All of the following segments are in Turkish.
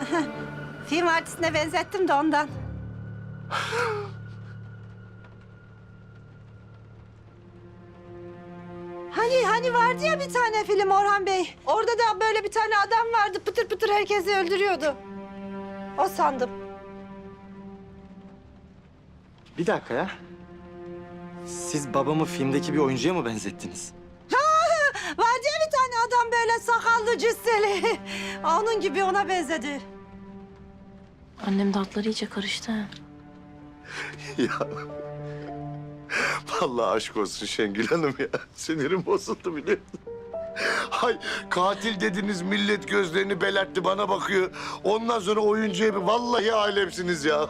Film artistine benzettim de ondan. Hani vardı ya bir tane film Orhan Bey. Orada da böyle bir tane adam vardı. Pıtır pıtır herkesi öldürüyordu. O sandım. Bir dakika ya. Siz babamı filmdeki bir oyuncuya mı benzettiniz? Vardı ya bir tane adam böyle sakallı cüsseli. Onun gibi ona benzedi. Annem de hatları iyice karıştı. Ha. Ya vallahi aşk olsun Şengül Hanım ya. Sinirim bozuldu biliyor musun? Hay katil dediniz millet gözlerini belertti bana bakıyor. Ondan sonra oyuncuya bir vallahi alemsiniz ya.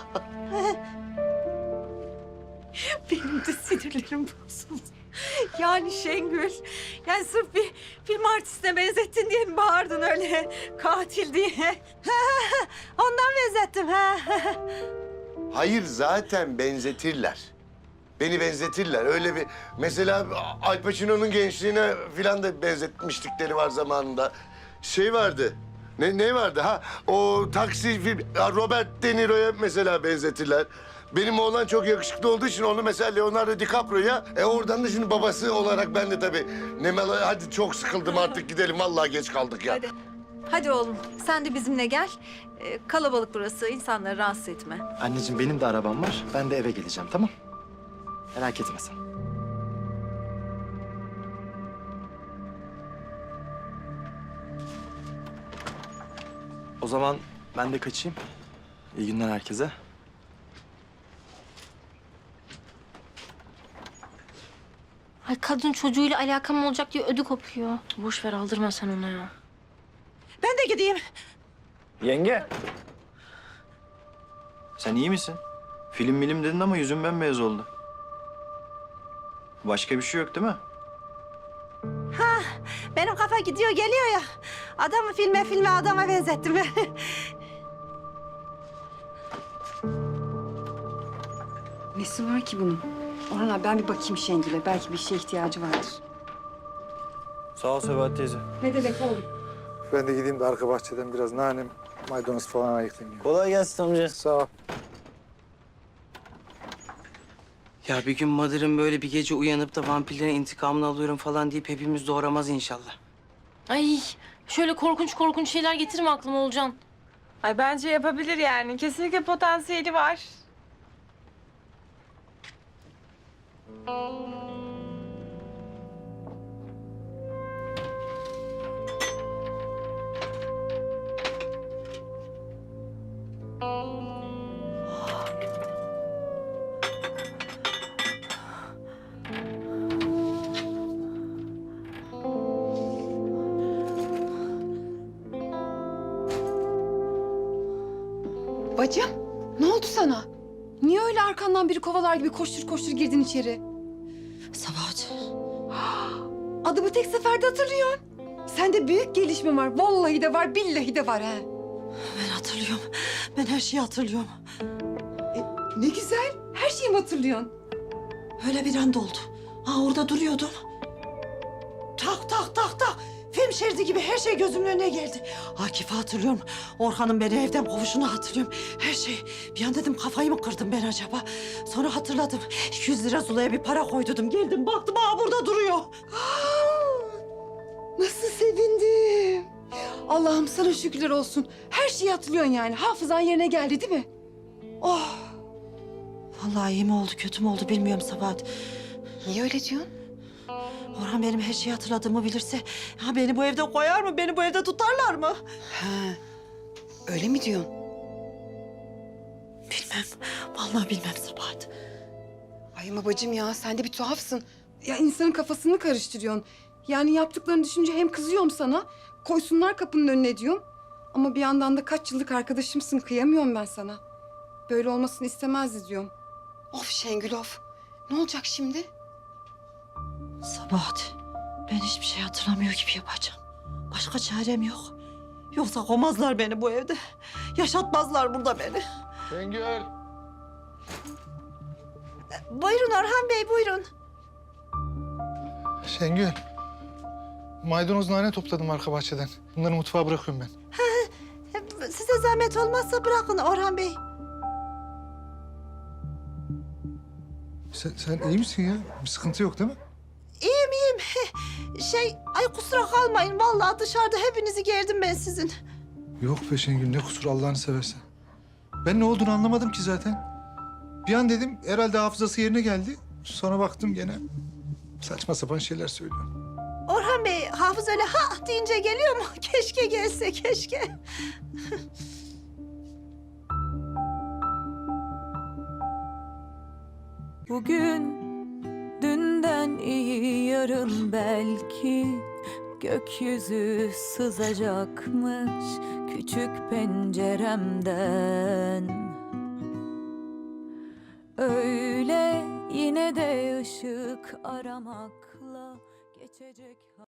Benim de sinirlerim bozuldu. Yani Şengül, yani sırf bir film artistine benzettin diye mi bağırdın öyle katil diye? Ondan benzettim. Hayır zaten benzetirler. Beni benzetirler. Öyle bir mesela Al Pacino'nun gençliğine falan da benzetmişlikleri var zamanında. Şey vardı. Ne vardı ha? O taksi film Robert De Niro'ya mesela benzetirler. Benim oğlan çok yakışıklı olduğu için onu mesela Leonardo DiCaprio'ya oradan da şimdi babası olarak ben de tabii hadi çok sıkıldım artık gidelim vallahi geç kaldık ya. Hadi oğlum, sen de bizimle gel. Kalabalık burası, insanları rahatsız etme. Anneciğim benim de arabam var. Ben de eve geleceğim tamam? Merak etme sen. O zaman ben de kaçayım. İyi günler herkese. Ay kadın çocuğuyla alakam olacak diye ödü kopuyor. Boş ver aldırma sen ona ya. Ben de gideyim. Yenge. Sen iyi misin? Film dedin ama yüzün bembeyaz oldu. Başka bir şey yok değil mi? Benim kafa gidiyor geliyor ya. Adamı filme adama benzettim. Nesi var ki bunun? Orhan abi ben bir bakayım Şengül'e. Belki bir şeye ihtiyacı vardır. Sağ ol Sebahat teyze. Ne demek oğlum? Ben de gideyim de arka bahçeden biraz nane, maydanoz falan ayıklayayım. Kolay gelsin amca. Sağ ol. Ya bir gün Madır'ın böyle bir gece uyanıp da vampirlerin intikamını alıyorum falan deyip hepimiz doğramaz inşallah. Ay şöyle korkunç şeyler getirme aklıma Olcan. Ay bence yapabilir yani. Kesinlikle potansiyeli var. Bacım, ne oldu sana? Niye öyle arkandan biri kovalar gibi koştur koştur girdin içeri? Sabahat. Adımı tek seferde hatırlıyorsun. Sende büyük gelişme var. Vallahi de var, billahi de var ha. Ben hatırlıyorum. Ben her şeyi hatırlıyorum. Ne güzel. Her şeyi mi hatırlıyorsun? Öyle bir anda oldu. Orada duruyordum. Tak. Film şeridi gibi her şey gözümün önüne geldi. Akif'i hatırlıyorum. Orhan'ın beni evden kovuşunu hatırlıyorum. Her şey. Bir an dedim kafayı mı kırdım ben acaba? Sonra hatırladım. 200 lira Zula'ya bir para koydum. Geldim baktım burada duruyor. Nasıl sevindim. Allah'ım sana şükürler olsun. Her şeyi hatırlıyorsun yani. Hafızan yerine geldi değil mi? Oh. Vallahi iyi mi oldu kötü mü oldu bilmiyorum Sabahat. Niye öyle diyorsun? Orhan benim her şeyi hatırladığımı bilirse beni bu evde koyar mı? Beni bu evde tutarlar mı? Öyle mi diyorsun? Bilmem. Vallahi bilmem Sabahat. Ay ama bacım ya sen de bir tuhafsın. Ya insanın kafasını karıştırıyorsun. Yani yaptıklarını düşünce hem kızıyorum sana, koysunlar kapının önüne diyorum. Ama bir yandan da kaç yıllık arkadaşımsın, kıyamıyorum ben sana. Böyle olmasını istemezdi diyorum. Of Şengül of. Ne olacak şimdi? Sabahat, ben hiçbir şey hatırlamıyor gibi yapacağım. Başka çarem yok. Yoksa kovmazlar beni bu evde. Yaşatmazlar burada beni. Şengül. Buyurun Orhan Bey, buyurun. Şengül, maydanoz nane topladım arka bahçeden. Bunları mutfağa bırakıyorum ben. size zahmet olmazsa bırakın Orhan Bey. Sen iyi misin ya? Bir sıkıntı yok değil mi? İyiyim iyiyim. Ay kusura kalmayın. Vallahi dışarıda hepinizi gerdim ben sizin. Yok be Şengül, ne kusur Allah'ını seversen. Ben ne olduğunu anlamadım ki zaten. Bir an dedim herhalde hafızası yerine geldi. Sonra baktım gene saçma sapan şeyler söylüyor. Orhan Bey, hafız öyle ha deyince geliyor mu? Keşke gelse, keşke. Bugün dünden iyi yarın belki gökyüzü sızacakmış küçük penceremden. Öyle yine de ışık aramakla geçecek.